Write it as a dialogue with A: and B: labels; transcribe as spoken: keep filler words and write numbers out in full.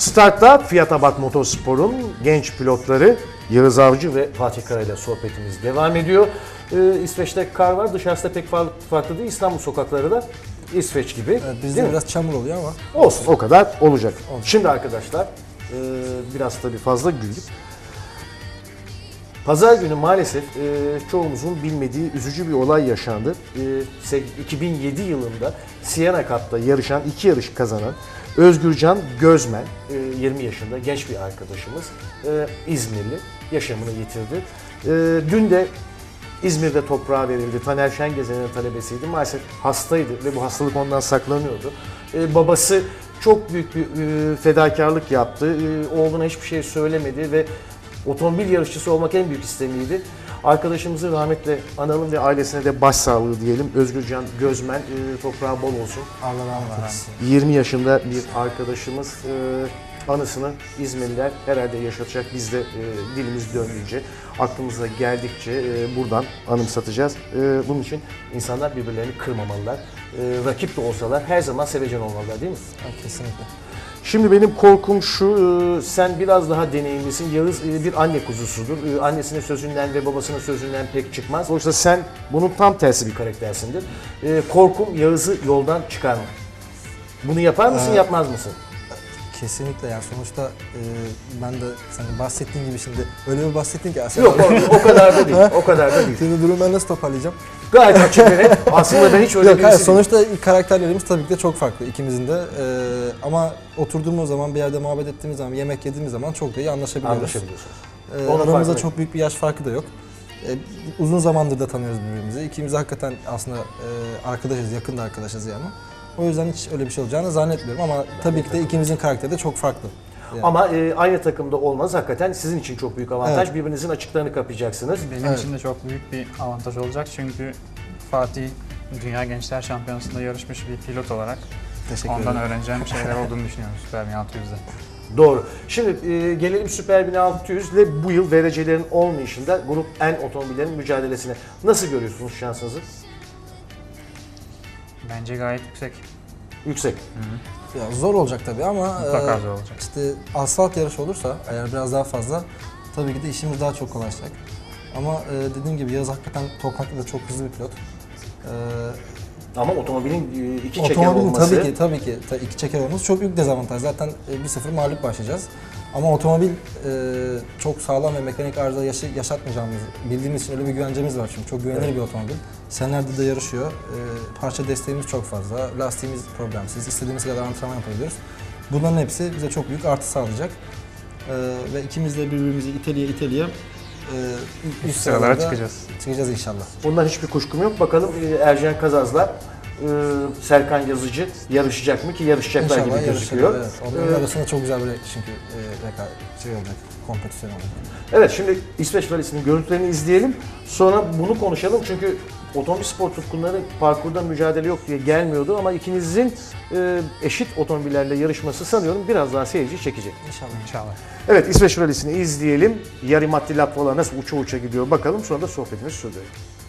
A: Start'ta Fiat Abarth Motorspor'un genç pilotları Yağız Avcı ve Fatih Kara ile sohbetimiz devam ediyor. Ee, İsveç'te kar var, dışarısı da pek farklı değil. İstanbul sokakları da İsveç gibi.
B: Evet, bizde biraz çamur oluyor ama.
A: Olsun, o kadar olacak. Olsun. Şimdi arkadaşlar, e, biraz tabii fazla güldük. Pazar günü maalesef e, çoğumuzun bilmediği üzücü bir olay yaşandı. E, iki bin yedi yılında Siena Cup'ta yarışan, iki yarış kazanan Özgürcan Gözmen, e, yirmi yaşında genç bir arkadaşımız, e, İzmirli, yaşamını yitirdi. E, dün de İzmir'de toprağa verildi. Taner Şengezen'in talebesiydi. Maalesef hastaydı ve bu hastalık ondan saklanıyordu. E, babası çok büyük bir e, fedakarlık yaptı. E, oğluna hiçbir şey söylemedi ve otomobil yarışçısı olmak en büyük istemiydi. Arkadaşımızı rahmetle analım ve ailesine de başsağlığı diyelim. Özgürcan Gözmen, e, toprağı bol olsun.
B: Allah rahmet eylesin.
A: yirmi yaşında bir arkadaşımız, e, anısını İzmirliler herhalde yaşatacak. Biz de e, dilimiz döndüğünce, aklımıza geldikçe e, buradan anımsatacağız. E, bunun için insanlar birbirlerini kırmamalılar. E, rakip de olsalar her zaman sevecen olmalılar, değil mi?
B: Evet, kesinlikle.
A: Şimdi benim korkum şu, sen biraz daha deneyimlisin. Yağız bir anne kuzusudur. Annesinin sözünden ve babasının sözünden pek çıkmaz. Oysa sen bunun tam tersi bir karaktersindir. Korkum Yağız'ı yoldan çıkarmak. Bunu yapar mısın, ee, yapmaz mısın?
B: Kesinlikle yani sonuçta e, ben de senin bahsettiğin gibi şimdi öyle bir bahsettin ki aslında.
A: Yok o, o kadar da değil, o kadar da değil.
B: Şimdi durumu ben nasıl toparlayacağım?
A: Gayet açık ve net. Aslında ben hiç öyle
B: Yok,
A: birisi
B: hayır, sonuçta karakterlerimiz tabii ki de çok farklı ikimizin de. Ee, ama oturduğumuz zaman, bir yerde muhabbet ettiğimiz zaman, yemek yediğimiz zaman çok da iyi anlaşabiliyoruz.
A: Anlaşabiliyorsunuz.
B: Ee, aramızda çok büyük bir yaş farkı da yok. Ee, uzun zamandır da tanıyoruz birbirimizi. İkimiz hakikaten aslında e, arkadaşız, yakın da arkadaşız yani. O yüzden hiç öyle bir şey olacağını zannetmiyorum ama tabii ki de ikimizin karakteri de çok farklı.
A: Yani. Ama e, aynı takımda olmanız hakikaten sizin için çok büyük avantaj.
B: Evet.
A: Birbirinizin açıklarını kapayacaksınız.
C: Benim
B: Evet.
C: için de çok büyük bir avantaj olacak çünkü Fatih Dünya Gençler Şampiyonası'nda yarışmış bir pilot olarak ondan öğreneceğim şeyler olduğunu düşünüyorum Super bin altı yüzde.
A: Doğru. Şimdi e, gelelim Super bin altı yüz ile bu yıl derecelerin olmayışında Grup N otomobillerin mücadelesine. Nasıl görüyorsunuz şansınızı?
C: Bence gayet yüksek.
A: Yüksek.
C: Hı-hı.
B: Ya zor olacak tabii ama
C: Mutlaka
B: e,
C: zor olacak.
B: işte asfalt yarışı olursa eğer biraz daha fazla tabii ki de işimiz daha çok kolaylaşacak. Ama e, dediğim gibi Yağız hakikaten toprakta da çok hızlı bir pilot. E,
A: Ama otomobilin e, iki çeker
B: otomobilin
A: olması...
B: tabii ki tabii ki ta, iki çeker olması çok büyük dezavantaj. Zaten e, bir sıfır mağlup başlayacağız. Ama otomobil e, çok sağlam ve mekanik arıza yaşı, yaşatmayacağımız bildiğimiz için öyle bir güvencemiz var çünkü çok güvenilir
A: Evet.
B: bir otomobil. Senelerde de yarışıyor. E, parça desteğimiz çok fazla. Lastiğimiz problemsiz. İstediğimiz kadar antrenman yapabiliyoruz. Bunların hepsi bize çok büyük artı sağlayacak. E, ve ikimiz de birbirimizi iteliye iteliye e, üst
C: sıralara çıkacağız.
B: Çıkacağız inşallah.
A: Bundan hiçbir kuşkum yok. Bakalım e, Ercan Kazaz'la e, Serkan Yazıcı yarışacak mı ki yarışacaklar
B: İnşallah
A: gibi gözüküyor.
B: Evet. Onların
A: Ee,
B: arasında çok güzel bir çünkü e, rekabet şey olacak, kompetisyon olacak.
A: Evet, şimdi İsveç Rally'sinin görüntülerini izleyelim. Sonra bunu konuşalım çünkü otomobil spor tutkunları parkurda mücadele yok diye gelmiyordu ama ikinizin e, eşit otomobillerle yarışması sanıyorum biraz daha seyirci çekecek.
B: İnşallah.
C: İnşallah.
A: Evet, İsveç Rally'sini izleyelim. Yari Matti Latvala nasıl uça uça gidiyor bakalım, sonra da sohbetimizi sürdürelim.